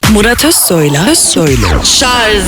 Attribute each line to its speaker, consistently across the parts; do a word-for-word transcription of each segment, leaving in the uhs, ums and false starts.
Speaker 1: Murat Özsoy'la Özsoy'la Şarj.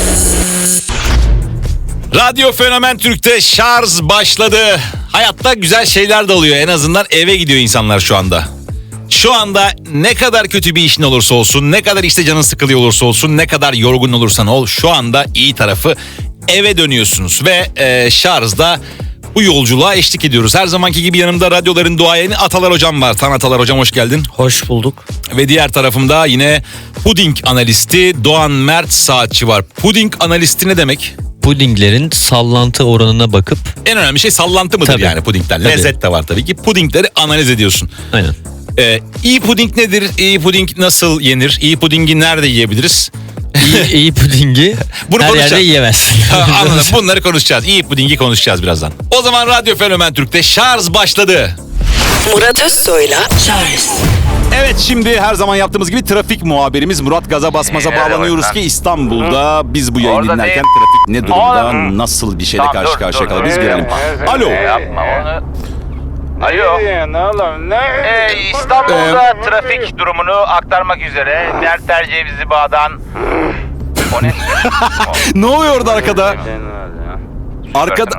Speaker 2: Radyo Fenomen Türk'te şarj başladı. Hayatta güzel şeyler de oluyor. En azından eve gidiyor insanlar şu anda. Şu anda ne kadar kötü bir işin olursa olsun, ne kadar işte canın sıkılıyor olursa olsun, ne kadar yorgun olursan ol, şu anda iyi tarafı eve dönüyorsunuz. Ve e, şarjda bu yolculuğa eşlik ediyoruz. Her zamanki gibi yanımda radyoların duayeni Atalar Hocam var. Tan Atalar Hocam, hoş geldin.
Speaker 3: Hoş bulduk.
Speaker 2: Ve diğer tarafımda yine puding analisti Doğan Mert Saatçi var. Puding analisti ne demek?
Speaker 3: Pudinglerin sallantı oranına bakıp...
Speaker 2: En önemli şey sallantı mıdır
Speaker 3: Tabii.
Speaker 2: yani pudingler?
Speaker 3: Tabii.
Speaker 2: Lezzet de var tabii ki. Pudingleri analiz ediyorsun.
Speaker 3: Aynen.
Speaker 2: Ee, iyi puding nedir? İyi puding nasıl yenir? İyi pudingi nerede yiyebiliriz?
Speaker 3: İyi, iyi pudingi
Speaker 2: Bunu
Speaker 3: her
Speaker 2: konuşacağız.
Speaker 3: yerde yiyemezsin.
Speaker 2: Ha, anladım. Bunları konuşacağız. İyi pudingi konuşacağız birazdan. O zaman Radyo Fenomen Türk'te şarj başladı.
Speaker 1: Murat Özsoy'la Şarj.
Speaker 2: Evet, şimdi her zaman yaptığımız gibi trafik muhabirimiz Murat Gaza Basmaz'a
Speaker 4: Evet,
Speaker 2: bağlanıyoruz
Speaker 4: evet.
Speaker 2: ki İstanbul'da biz bu yayını
Speaker 4: Orada
Speaker 2: dinlerken
Speaker 4: değil.
Speaker 2: trafik ne durumda,
Speaker 4: Orada.
Speaker 2: nasıl bir şeyle
Speaker 4: Tamam,
Speaker 2: karşı
Speaker 4: dur,
Speaker 2: karşıya
Speaker 4: dur.
Speaker 2: kalır biz görelim.
Speaker 4: Evet,
Speaker 2: Alo.
Speaker 4: Yapma onu. Alo.
Speaker 5: Ne oğlum ne?
Speaker 4: Ee, İstanbul'da trafik durumunu aktarmak üzere Merter Cevizli Bağ'dan o ne?
Speaker 2: Ne oluyor orada arkada? Arkada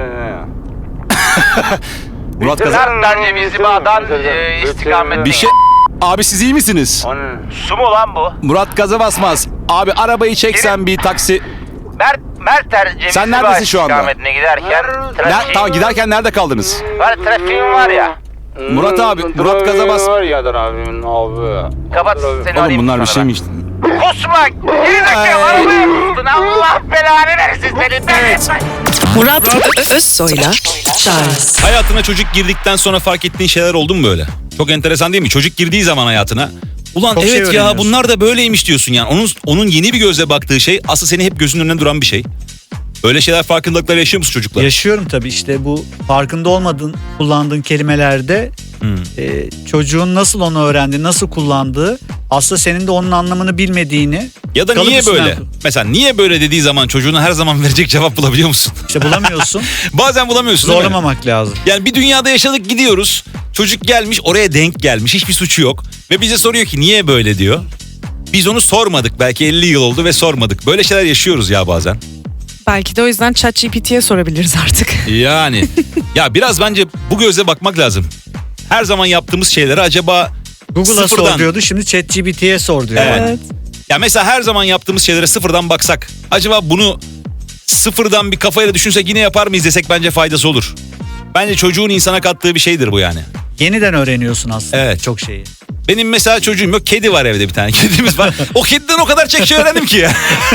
Speaker 2: Murat Gaza
Speaker 4: Merter Cevizli Bağ'dan e, istikamet.
Speaker 2: bir şey... Abi siz iyi misiniz?
Speaker 4: Su mu lan bu?
Speaker 2: Murat Gaza Basmaz. Abi arabayı çeksen bir taksi...
Speaker 4: Mer Merter Cevizli
Speaker 2: Sen
Speaker 4: Bağ
Speaker 2: neredesin şu anda?
Speaker 4: istikametine giderken
Speaker 2: Ne,
Speaker 4: trafik...
Speaker 2: tamam, giderken nerede kaldınız?
Speaker 4: Var, trafiğim var ya.
Speaker 2: Murat abi, Murat Gaza Bas...
Speaker 5: Var ya abimin abi.
Speaker 4: Kapat seni
Speaker 2: Oğlum
Speaker 4: arayayım
Speaker 2: bunlar bir
Speaker 4: sonra
Speaker 2: şey
Speaker 4: ben.
Speaker 2: mi işte?
Speaker 4: Kusma! Gerizekalı arabaya kustun! Allah belanı versin seni! Evet.
Speaker 1: Murat Ö- Özsoy'la Şarj.
Speaker 2: Hayatına çocuk girdikten sonra fark ettiğin şeyler oldu mu böyle? Çok enteresan değil mi? Çocuk girdiği zaman hayatına... Ulan
Speaker 3: Çok şey
Speaker 2: evet ya,
Speaker 3: öğreniyorsun.
Speaker 2: bunlar da böyleymiş diyorsun yani. Onun onun yeni bir gözle baktığı şey aslında seni hep gözünün önüne duran bir şey. Öyle şeyler, farkındalıklar yaşıyor musun çocuklar?
Speaker 6: Yaşıyorum tabii, işte bu farkında olmadığın kullandığın kelimelerde
Speaker 2: Hmm.
Speaker 6: e, çocuğun nasıl onu öğrendi, nasıl kullandığı, aslında senin de onun anlamını bilmediğini
Speaker 2: Ya da
Speaker 6: kalıp
Speaker 2: niye
Speaker 6: üstünden-
Speaker 2: böyle? Mesela niye böyle dediği zaman çocuğuna her zaman verecek cevap bulabiliyor musun?
Speaker 6: işte bulamıyorsun.
Speaker 2: Bazen bulamıyorsun değil mi?
Speaker 6: Zorlamamak lazım.
Speaker 2: Yani bir dünyada yaşadık, gidiyoruz. Çocuk gelmiş, oraya denk gelmiş, hiçbir suçu yok. Ve bize soruyor ki niye böyle diyor. Biz onu sormadık, belki elli yıl oldu ve sormadık. Böyle şeyler yaşıyoruz ya bazen.
Speaker 7: Belki de o yüzden ChatGPT'ye sorabiliriz artık.
Speaker 2: Yani ya biraz bence bu gözle bakmak lazım. Her zaman yaptığımız şeyleri acaba
Speaker 6: Google'a
Speaker 2: sıfırdan...
Speaker 6: sor diyordu, şimdi ChatGPT'ye sor diyor.
Speaker 2: Evet.
Speaker 7: Evet.
Speaker 2: Ya mesela her zaman yaptığımız şeylere sıfırdan baksak, acaba bunu sıfırdan bir kafayla düşünsek yine yapar mıyız desek bence faydası olur. Bence çocuğun insana kattığı bir şeydir bu yani.
Speaker 6: Yeniden öğreniyorsun aslında
Speaker 2: Evet.
Speaker 6: çok şeyi.
Speaker 2: Benim mesela çocuğum yok, kedi var evde, bir tane kedimiz var. O kediden o kadar çok şey öğrendim ki ya.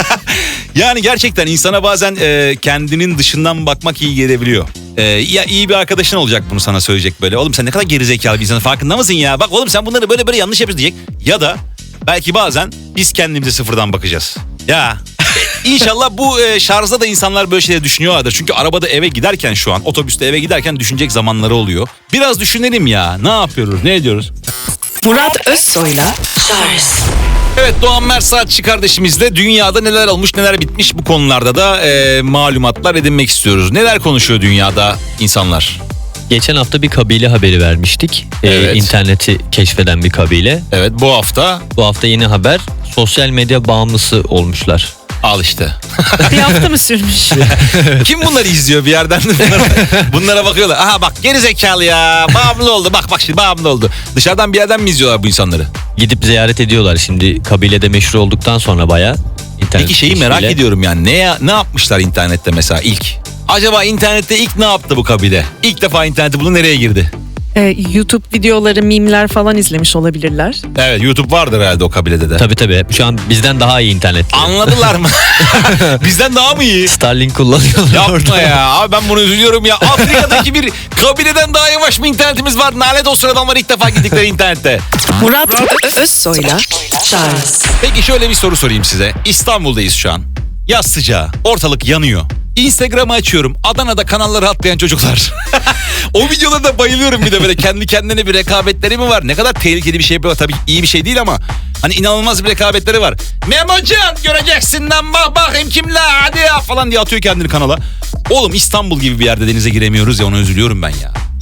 Speaker 2: Yani gerçekten insana bazen e, kendinin dışından bakmak iyi gelebiliyor. E, ya iyi bir arkadaşın olacak bunu sana söyleyecek böyle. Oğlum sen ne kadar gerizekalı bir insanın, farkında mısın ya? Bak oğlum sen bunları böyle böyle yanlış yapıyorsun diyecek. Ya da belki bazen biz kendimize sıfırdan bakacağız. Ya İnşallah bu e, şarjda da insanlar böyle şeyler düşünüyorlardır. Çünkü arabada eve giderken, şu an otobüste eve giderken düşünecek zamanları oluyor. Biraz düşünelim ya. Ne yapıyoruz? Ne ediyoruz?
Speaker 1: Murat Özsoy'la Şarj.
Speaker 2: Evet, Doğan Mert Saatçi kardeşimizle dünyada neler olmuş, neler bitmiş, bu konularda da e, malumatlar edinmek istiyoruz. Neler konuşuyor dünyada insanlar?
Speaker 3: Geçen hafta bir kabile haberi vermiştik. Ee,
Speaker 2: Evet.
Speaker 3: interneti keşfeden bir kabile.
Speaker 2: Evet, bu hafta
Speaker 3: Bu hafta yeni haber, sosyal medya bağımlısı olmuşlar.
Speaker 2: al işte.
Speaker 7: Bir hafta mı sürmüş?
Speaker 2: Kim bunları izliyor bir yerden? Bunlara, bunlara bakıyorlar. Aha bak, geri zekalı ya. Bağımlı oldu. Bak bak şimdi bağımlı oldu. Dışarıdan bir yerden mi izliyorlar bu insanları?
Speaker 3: Gidip ziyaret ediyorlar şimdi, kabilede meşhur olduktan sonra bayağı. internet
Speaker 2: Peki şeyi merak
Speaker 3: keşfiyle.
Speaker 2: ediyorum yani. Ne, ya- ne yapmışlar internette mesela ilk? Acaba internette ilk ne yaptı bu kabile? İlk defa interneti buldu, nereye girdi?
Speaker 7: Ee, YouTube videoları, mimler falan izlemiş olabilirler.
Speaker 2: Evet, YouTube vardır herhalde o kabilede de.
Speaker 3: Tabii tabii, şu an bizden daha iyi internet.
Speaker 2: Anladılar mı? Bizden daha mı iyi?
Speaker 3: Starlink kullanıyorlar
Speaker 2: Yapma
Speaker 3: orada.
Speaker 2: ya. Abi ben bunu üzülüyorum ya. Afrika'daki bir kabileden daha yavaş mı internetimiz var? Nalet olsun adamlar ilk defa gittikleri internette.
Speaker 1: Murat Ö- Özsoy'la Şarj.
Speaker 2: Peki şöyle bir soru sorayım size. İstanbul'dayız şu an. Yaz sıcağı. Ortalık yanıyor. Instagram'ı açıyorum. Adana'da kanalları atlayan çocuklar. O videolara da bayılıyorum, bir de böyle kendi kendine bir rekabetleri mi var? Ne kadar tehlikeli bir şey bu. Tabii iyi bir şey değil ama hani inanılmaz bir rekabetleri var. Memocan göreceksin lan, bak bakayım kimle, hadi ya falan diye atıyor kendini kanala. Oğlum İstanbul gibi bir yerde denize giremiyoruz ya, ona üzülüyorum ben ya.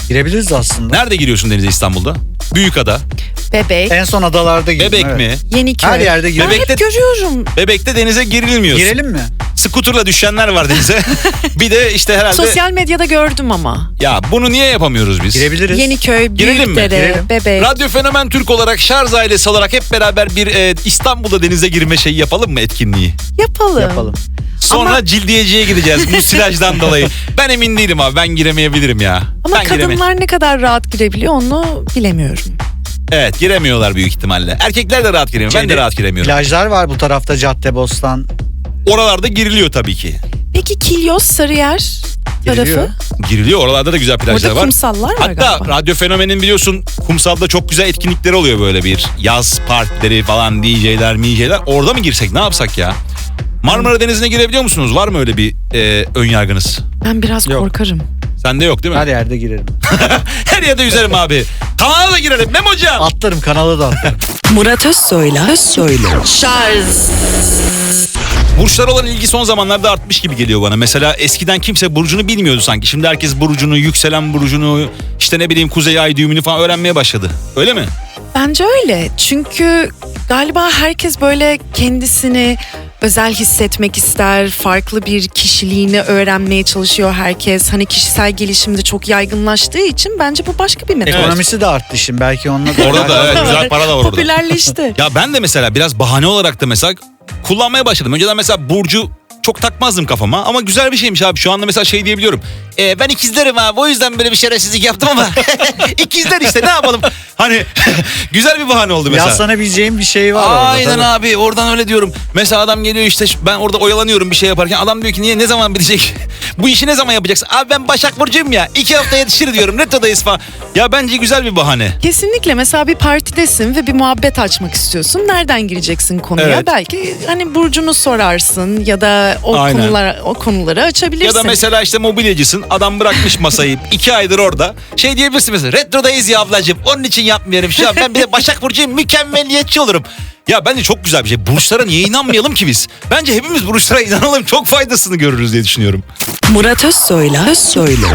Speaker 6: Girebiliriz aslında.
Speaker 2: Nerede giriyorsun denize İstanbul'da? Büyükada.
Speaker 7: Bebek,
Speaker 6: En son adalarda girdim.
Speaker 2: Bebek
Speaker 6: evet.
Speaker 2: mi?
Speaker 7: Yeniköy.
Speaker 6: Her yerde
Speaker 7: Ya
Speaker 6: girelim.
Speaker 2: Bebekte-
Speaker 7: hep görüyorum.
Speaker 2: Bebekte denize girilmiyorsun.
Speaker 6: Girelim mi?
Speaker 2: Skuterla düşenler var denize. Bir de işte herhalde...
Speaker 7: Sosyal medyada gördüm ama.
Speaker 2: Ya bunu niye yapamıyoruz biz?
Speaker 6: Girebiliriz.
Speaker 7: Yeniköy,
Speaker 2: Girelim mi?
Speaker 7: Büyükdere,
Speaker 6: Girelim.
Speaker 7: Bebek.
Speaker 2: Radyo Fenomen Türk olarak, Şarj ailesi olarak hep beraber bir e, İstanbul'da denize girme şeyi yapalım mı, etkinliği?
Speaker 7: Yapalım.
Speaker 6: Yapalım.
Speaker 2: Sonra
Speaker 7: Ama-
Speaker 2: cildiyeciye gideceğiz musilajdan dolayı. Ben emin değilim abi, ben giremeyebilirim ya.
Speaker 7: Ama
Speaker 2: ben gireme-
Speaker 7: kadınlar ne kadar rahat girebiliyor onu bilemiyorum.
Speaker 2: Evet, giremiyorlar büyük ihtimalle. Erkekler de rahat giremiyor, ben de
Speaker 6: Şeyde,
Speaker 2: rahat giremiyorum.
Speaker 6: Plajlar var bu tarafta, Caddebostan.
Speaker 2: Oralarda giriliyor tabii ki.
Speaker 7: Peki Kilyos, Sarıyer tarafı?
Speaker 6: Giriliyor.
Speaker 2: Giriliyor, oralarda da güzel plajlar
Speaker 7: Orada
Speaker 2: var.
Speaker 7: kumsallar var
Speaker 2: Hatta
Speaker 7: galiba.
Speaker 2: Radyo Fenomen'in biliyorsun kumsalda çok güzel etkinlikleri oluyor, böyle bir yaz partileri falan, D J'ler, M J'ler. Orada mı girsek, ne yapsak ya? Marmara Denizi'ne girebiliyor musunuz? Var mı öyle bir e, ön yargınız?
Speaker 7: Ben biraz
Speaker 6: Yok.
Speaker 7: korkarım.
Speaker 2: Sende yok değil mi?
Speaker 6: Her yerde girelim.
Speaker 2: Her yerde yüzerim abi. Kanala da girelim Memocan.
Speaker 6: Atlarım, kanala da atlarım.
Speaker 1: Murat Özsoy'la Özsoy'la
Speaker 2: Burçlara olan ilgi son zamanlarda artmış gibi geliyor bana. Mesela eskiden kimse burcunu bilmiyordu sanki. Şimdi herkes burcunu, yükselen burcunu, işte ne bileyim kuzey ay düğümünü falan öğrenmeye başladı. Öyle mi?
Speaker 7: Bence öyle. Çünkü galiba herkes böyle kendisini özel hissetmek ister. Farklı bir kişiliğini öğrenmeye çalışıyor herkes. Hani kişisel gelişimde çok yaygınlaştığı için bence bu başka bir metot.
Speaker 6: Ekonomisi de arttı şimdi. Belki onunla da.
Speaker 2: Orada da evet, güzel para da var orada.
Speaker 7: Popülerleşti.
Speaker 2: Ya ben de mesela biraz bahane olarak da mesela kullanmaya başladım. Önceden mesela burcu çok takmazdım kafama ama güzel bir şeymiş abi. Şu anda mesela şey diyebiliyorum. E, ben ikizlerim abi, o yüzden böyle bir şerefsizlik yaptım ama ikizler işte, ne yapalım. Hani güzel bir bahane oldu mesela.
Speaker 6: Yaslanabileceğim bir şey var orada.
Speaker 2: Aynen
Speaker 6: tabii.
Speaker 2: abi, oradan öyle diyorum. Mesela adam geliyor işte, ben orada oyalanıyorum bir şey yaparken, adam diyor ki niye, ne zaman bitecek? Bu işi ne zaman yapacaksın? Abi ben Başak Burcu'yum ya, iki hafta yetişir diyorum, retrodayız falan. Ya bence güzel bir bahane.
Speaker 7: Kesinlikle. Mesela bir partidesin ve bir muhabbet açmak istiyorsun. Nereden gireceksin konuya?
Speaker 2: Evet.
Speaker 7: Belki hani burcunu sorarsın ya da o
Speaker 2: Aynen.
Speaker 7: konular o konuları açabilirsin.
Speaker 2: Ya da mesela işte mobilyacısın, adam bırakmış masayı iki aydır orada. Şey diyebilirsin mesela, retrodayız ya ablacığım, onun için yapmıyorum şu an, ben bir de Başak Burcu'yum, mükemmeliyetçi olurum. Ya bence çok güzel bir şey. Burçlara niye inanmayalım ki biz? Bence hepimiz burçlara inanalım, çok faydasını görürüz diye düşünüyorum.
Speaker 1: Murat Özsoy'la Özsoy'la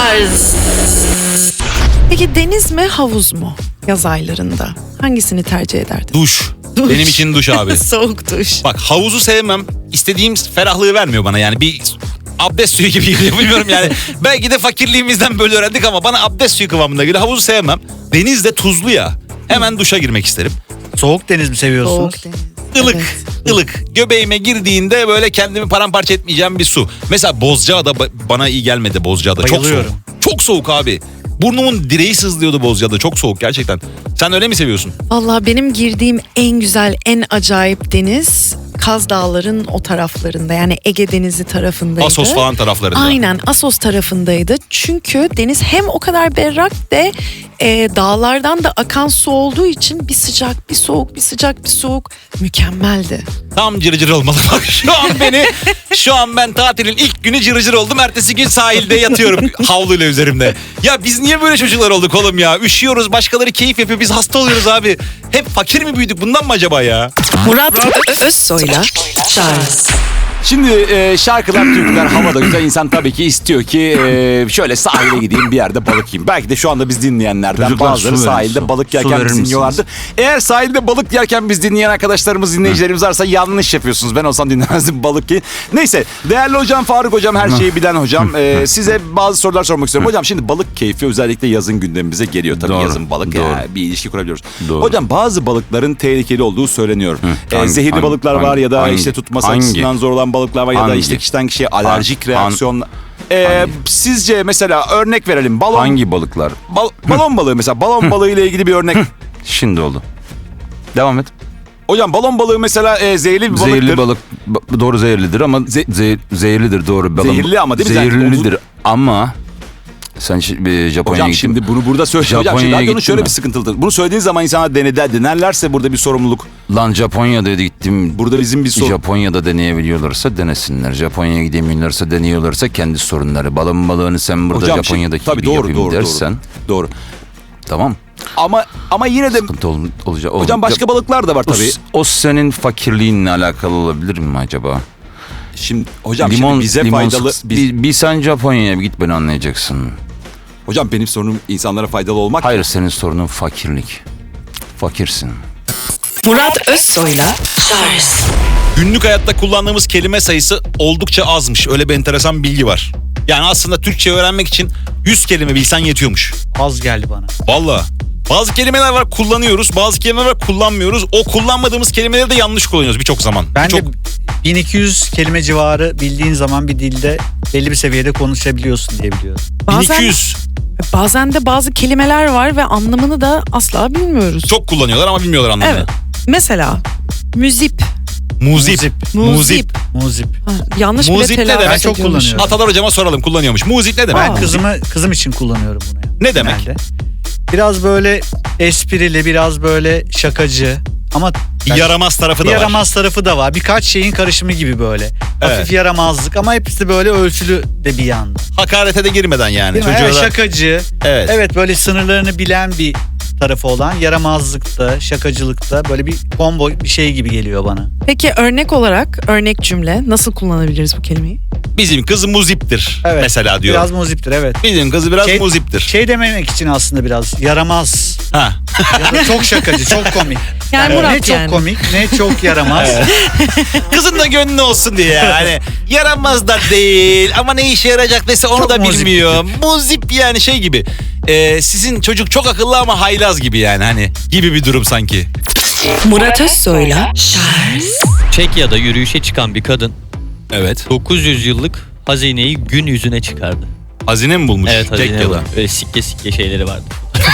Speaker 7: Peki deniz mi havuz mu yaz aylarında? Hangisini tercih ederdin?
Speaker 2: Duş.
Speaker 7: Duş.
Speaker 2: Benim için duş abi.
Speaker 7: Soğuk duş.
Speaker 2: Bak, havuzu sevmem. İstediğim ferahlığı vermiyor bana yani. Bir abdest suyu gibi geliyor, bilmiyorum yani. Belki de fakirliğimizden böyle öğrendik ama bana abdest suyu kıvamında geliyor. Havuzu sevmem. Deniz de tuzlu ya. Hemen duşa girmek isterim.
Speaker 6: Soğuk deniz mi seviyorsunuz?
Speaker 7: Soğuk deniz.
Speaker 2: Ilık,
Speaker 7: Evet.
Speaker 2: ılık. Göbeğime girdiğinde böyle kendimi paramparça etmeyeceğim bir su. Mesela Bozcaada ba- bana iyi gelmedi, Bozcaada. Çok soğuk.
Speaker 6: Bayılıyorum.
Speaker 2: Çok soğuk abi. Burnumun direği sızlıyordu Bozcaada. Çok soğuk gerçekten. Sen öyle mi seviyorsun?
Speaker 7: Vallahi benim girdiğim en güzel, en acayip deniz Kaz Dağları'nın o taraflarında. Yani Ege Denizi tarafındaydı.
Speaker 2: Assos falan taraflarında.
Speaker 7: Aynen, Assos tarafındaydı. Çünkü deniz hem o kadar berrak de e, dağlardan da akan su olduğu için bir sıcak, bir soğuk, bir sıcak, bir soğuk, mükemmeldi.
Speaker 2: Tam cırcır olmalı. Bak şu an beni, şu an ben tatilin ilk günü cırcır oldum. Ertesi gün sahilde yatıyorum havluyla üzerimde. Ya biz niye böyle çocuklar olduk oğlum ya? Üşüyoruz, başkaları keyif yapıyor, biz hasta oluyoruz abi. Hep fakir mi büyüdük, bundan mı acaba ya?
Speaker 1: Murat Özsoy'la Charles
Speaker 8: Şimdi e, şarkılar, türküler havada güzel. İnsan tabii ki istiyor ki e, şöyle sahile gideyim, bir yerde balık yiyeyim. Belki de şu anda biz dinleyenlerden
Speaker 9: Çocuklar,
Speaker 8: bazıları
Speaker 9: su verin,
Speaker 8: sahilde
Speaker 9: su.
Speaker 8: balık
Speaker 9: Su
Speaker 8: yerken
Speaker 9: verir
Speaker 8: bizi
Speaker 9: misiniz?
Speaker 8: dinliyorlardır. Eğer sahilde balık yerken biz dinleyen arkadaşlarımız, dinleyicilerimiz varsa yanlış yapıyorsunuz. Ben olsam dinlemezdim balık yiyin. Neyse, değerli hocam Faruk hocam, her şeyi bilen hocam. E, size bazı sorular sormak istiyorum. Hocam şimdi balık keyfi özellikle yazın gündemimize geliyor. Tabii
Speaker 9: Doğru,
Speaker 8: yazın balık
Speaker 9: doğru.
Speaker 8: ya, bir ilişki kurabiliyoruz.
Speaker 9: Doğru.
Speaker 8: Hocam bazı balıkların tehlikeli olduğu söyleniyor. E,
Speaker 9: Hangi-
Speaker 8: zehirli
Speaker 9: hangi-
Speaker 8: balıklar var ya da
Speaker 9: hangi-
Speaker 8: işte tutması
Speaker 9: hangi?
Speaker 8: açısından zor olan balıklar var ya da
Speaker 9: Hangi?
Speaker 8: işte kişiden kişiye alerjik
Speaker 9: Han-
Speaker 8: reaksiyon. Ee,
Speaker 9: Hangi?
Speaker 8: sizce mesela örnek verelim. Balon
Speaker 9: Hangi balıklar?
Speaker 8: bal- balon balığı mesela balon balığı ile ilgili bir örnek.
Speaker 9: Şimdi oldu. Devam et.
Speaker 8: Hocam balon balığı mesela e, zehirli bir balıktır.
Speaker 9: Zehirli balık ba- doğru zehirlidir ama
Speaker 8: Ze-
Speaker 9: ze- zehirlidir doğru. Balon-
Speaker 8: Zehirli ama değil mi?
Speaker 9: Zehirlidir ama sen şi- bir Japonya'ya
Speaker 8: Hocam
Speaker 9: gittin
Speaker 8: şimdi
Speaker 9: mi?
Speaker 8: bunu burada söyle. Hocam
Speaker 9: Japonya'ya
Speaker 8: şimdi radyonun
Speaker 9: gittin
Speaker 8: şöyle
Speaker 9: mi?
Speaker 8: bir sıkıntılıdır. Bunu söylediğin zaman insanlar deneder, denerlerse burada bir sorumluluk.
Speaker 9: Lan Japonya'da gittim.
Speaker 8: Burada bizim bir sorun.
Speaker 9: Japonya'da deneyebiliyorlarsa denesinler. Japonya'ya gidemiyorlarsa deniyorlarsa kendi sorunları. Balon balığını sen burada
Speaker 8: Hocam
Speaker 9: Japonya'daki
Speaker 8: şimdi- tabii
Speaker 9: gibi
Speaker 8: doğru,
Speaker 9: yapayım
Speaker 8: doğru,
Speaker 9: dersen.
Speaker 8: Doğru.
Speaker 9: Tamam.
Speaker 8: Ama ama yine de
Speaker 9: Sıkıntı ol, olacak.
Speaker 8: hocam başka balıklar da var
Speaker 9: o,
Speaker 8: tabii.
Speaker 9: o senin fakirliğinle alakalı olabilir mi acaba?
Speaker 8: Şimdi hocam
Speaker 9: limon,
Speaker 8: şimdi bize
Speaker 9: limon
Speaker 8: faydalı
Speaker 9: sık-
Speaker 8: biz-
Speaker 9: bir, bir sen Japonya'ya bir git beni anlayacaksın.
Speaker 8: Hocam benim sorunum insanlara faydalı olmak.
Speaker 9: Hayır, senin sorunun fakirlik. Fakirsin.
Speaker 1: Murat Özsoy'la Charles
Speaker 2: Günlük hayatta kullandığımız kelime sayısı oldukça azmış. Öyle bir enteresan bilgi var. Yani aslında Türkçe öğrenmek için yüz kelime bilsen yetiyormuş.
Speaker 6: Az geldi bana.
Speaker 2: Vallahi. Bazı kelimeler var kullanıyoruz, bazı kelimeler var kullanmıyoruz. O kullanmadığımız kelimeleri de yanlış kullanıyoruz birçok zaman.
Speaker 6: Ben
Speaker 2: Birçok...
Speaker 6: de bin iki yüz kelime civarı bildiğin zaman bir dilde belli bir seviyede konuşabiliyorsun diye biliyorum.
Speaker 2: bin
Speaker 7: Bazen,
Speaker 2: iki yüz
Speaker 7: bazen de bazı kelimeler var ve anlamını da asla bilmiyoruz.
Speaker 2: çok kullanıyorlar ama bilmiyorlar anlamını.
Speaker 7: Evet. Mesela müzip.
Speaker 2: Muzip. Muzip.
Speaker 6: Muzip.
Speaker 7: Ha, yanlış bile
Speaker 2: Muzip ne
Speaker 7: telaffuz
Speaker 2: demek?
Speaker 6: Ben çok
Speaker 7: ediyormuş.
Speaker 6: kullanıyorum.
Speaker 2: Atalar hocama soralım kullanıyormuş. Muzip ne demek?
Speaker 6: Ben kızımı kızım için kullanıyorum bunu. Yani.
Speaker 2: Ne demek?
Speaker 6: Genelde. Biraz böyle esprili, biraz böyle şakacı ama
Speaker 2: Bir yaramaz tarafı
Speaker 6: bir
Speaker 2: da var.
Speaker 6: yaramaz tarafı da var. Birkaç şeyin karışımı gibi böyle.
Speaker 2: Evet.
Speaker 6: Hafif yaramazlık ama hepsi böyle ölçülü de bir yanda.
Speaker 2: Hakarete de girmeden yani.
Speaker 6: Değil mi?
Speaker 2: Çocuğa
Speaker 6: Evet,
Speaker 2: da-
Speaker 6: şakacı.
Speaker 2: Evet.
Speaker 6: Evet böyle sınırlarını bilen bir tarafı olan yaramazlıkta, şakacılıkta böyle bir combo bir şey gibi geliyor bana.
Speaker 7: Peki örnek olarak örnek cümle nasıl kullanabiliriz bu kelimeyi?
Speaker 2: Bizim kız muziptir
Speaker 6: Evet.
Speaker 2: mesela diyor.
Speaker 6: Biraz muziptir evet.
Speaker 2: Bizim kız biraz
Speaker 6: Şey-
Speaker 2: muziptir.
Speaker 6: Şey dememek için aslında biraz yaramaz.
Speaker 2: Ha.
Speaker 6: Ya da çok şakacı, çok komik.
Speaker 7: Yani
Speaker 6: ne
Speaker 7: Murat
Speaker 6: çok
Speaker 7: yani.
Speaker 6: komik, ne çok yaramaz.
Speaker 2: Kızın da gönlü olsun diye yani. Yaramaz da değil ama ne işe yarayacak mesela onu
Speaker 6: Çok
Speaker 2: da
Speaker 6: muzip
Speaker 2: bilmiyor. Muzip yani şey gibi. Ee, sizin çocuk çok akıllı ama haylaz gibi yani hani gibi bir durum sanki.
Speaker 1: Murat Özsoy'la Charles
Speaker 3: Çekya'da yürüyüşe çıkan bir kadın
Speaker 2: Evet.
Speaker 3: dokuz yüz yıllık hazineyi gün yüzüne çıkardı.
Speaker 2: Hazine mi bulmuş?
Speaker 3: Evet, hazine
Speaker 2: Çekya'da.
Speaker 3: var. Böyle sikke sikke şeyleri vardı.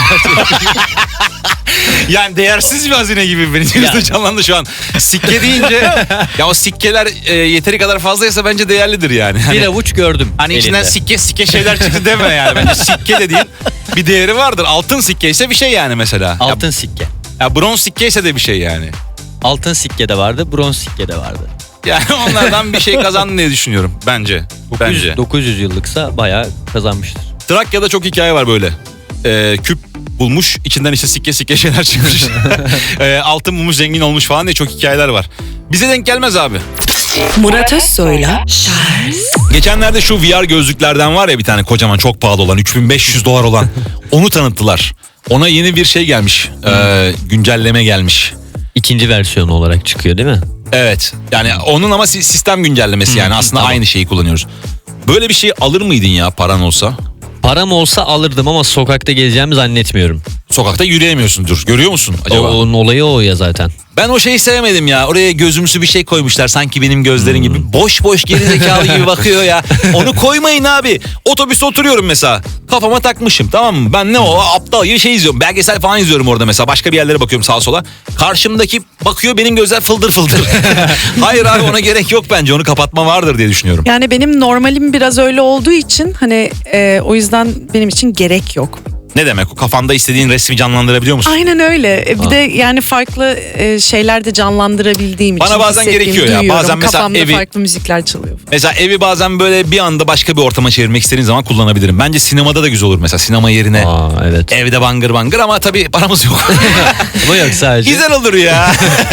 Speaker 2: Yani değersiz bir hazine gibi benim gözümde
Speaker 3: Yani.
Speaker 2: canlandı şu an. Sikke deyince ya o sikkeler e, yeteri kadar fazlaysa bence değerlidir yani. Hani,
Speaker 3: Bir avuç gördüm
Speaker 2: hani
Speaker 3: elinde.
Speaker 2: içinden sikke sikke şeyler çıktı deme yani. Bence sikke dediğin bir değeri vardır. Altın sikke ise bir şey yani mesela.
Speaker 3: Altın sikke.
Speaker 2: Ya, ya bronz sikke ise de bir şey yani.
Speaker 3: Altın sikke de vardı, bronz sikke de vardı.
Speaker 2: Yani onlardan bir şey kazandın diye düşünüyorum bence.
Speaker 3: dokuz yüz,
Speaker 2: Bence.
Speaker 3: dokuz yüz yıllıksa bayağı kazanmıştır.
Speaker 2: Trakya'da çok hikaye var böyle. Ee, küp bulmuş, içinden işte sikke sikke şeyler çıkmış. ee, altın bulmuş, zengin olmuş falan diye çok hikayeler var. Bize denk gelmez abi.
Speaker 1: Murat Özsoy'la Charles
Speaker 2: Geçenlerde şu V R gözlüklerden var ya bir tane kocaman çok pahalı olan üç bin beş yüz dolar olan onu tanıttılar. Ona yeni bir şey gelmiş. Ee, güncelleme gelmiş.
Speaker 3: İkinci versiyonu olarak çıkıyor değil mi?
Speaker 2: Evet. Yani onun ama si- sistem güncellemesi yani aslında
Speaker 3: tamam.
Speaker 2: aynı şeyi kullanıyoruz. Böyle bir şey alır mıydın ya paran olsa?
Speaker 3: Param olsa alırdım ama sokakta gezeceğimi zannetmiyorum.
Speaker 2: Sokakta yürüyemiyorsundur. Görüyor musun
Speaker 3: O,
Speaker 2: acaba?
Speaker 3: onun olayı o ya zaten.
Speaker 2: Ben o şeyi sevmedim ya. Oraya gözümsü bir şey koymuşlar. Sanki benim gözlerim gibi. Boş boş gerizekalı gibi bakıyor ya. Onu koymayın abi. Otobüste oturuyorum mesela. Kafama takmışım tamam mı? Ben ne o aptal gibi şey izliyorum. Belgesel falan izliyorum orada mesela. Başka bir yerlere bakıyorum sağa sola. Karşımdaki bakıyor benim gözler fıldır fıldır. Hayır abi ona gerek yok bence. Onu kapatma vardır diye düşünüyorum.
Speaker 7: Yani benim normalim biraz öyle olduğu için hani e, o yüzden benim için gerek yok.
Speaker 2: Ne demek o? Kafanda istediğin resmi canlandırabiliyor musun?
Speaker 7: Aynen öyle. E, bir de yani farklı e, şeyler de canlandırabildiğim
Speaker 2: Bana
Speaker 7: için
Speaker 2: bazen
Speaker 7: hissettiğimi
Speaker 2: gerekiyor ya.
Speaker 7: duyuyorum.
Speaker 2: Bazen mesela
Speaker 7: Kafamda
Speaker 2: evi-
Speaker 7: farklı müzikler çalıyor.
Speaker 2: Mesela evi bazen böyle bir anda başka bir ortama çevirmek istediğin zaman kullanabilirim. Bence sinemada da güzel olur mesela. Sinema yerine
Speaker 3: Aa evet.
Speaker 2: evde bangır bangır ama tabii paramız yok.
Speaker 3: Ama yok sadece.
Speaker 2: Güzel olur ya.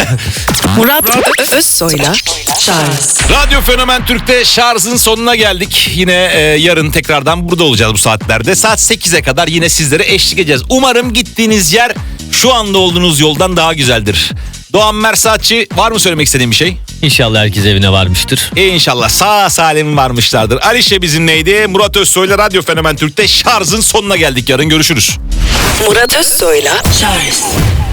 Speaker 1: Murat Özsoy'la Charles
Speaker 2: Radyo Fenomen Türk'te şarjın sonuna geldik. Yine e, yarın tekrardan burada olacağız bu saatlerde. Saat sekize kadar yine sizlere eşlik edeceğiz. Umarım gittiğiniz yer şu anda olduğunuz yoldan daha güzeldir. Doğan Mersatçı var mı söylemek istediğin bir şey?
Speaker 3: İnşallah herkes evine varmıştır.
Speaker 2: İnşallah sağ salim varmışlardır. Alişe bizimleydi. Murat Özsoy'la Radyo Fenomen Türk'te şarjın sonuna geldik. Yarın görüşürüz.
Speaker 1: Murat Özsoy'la Charles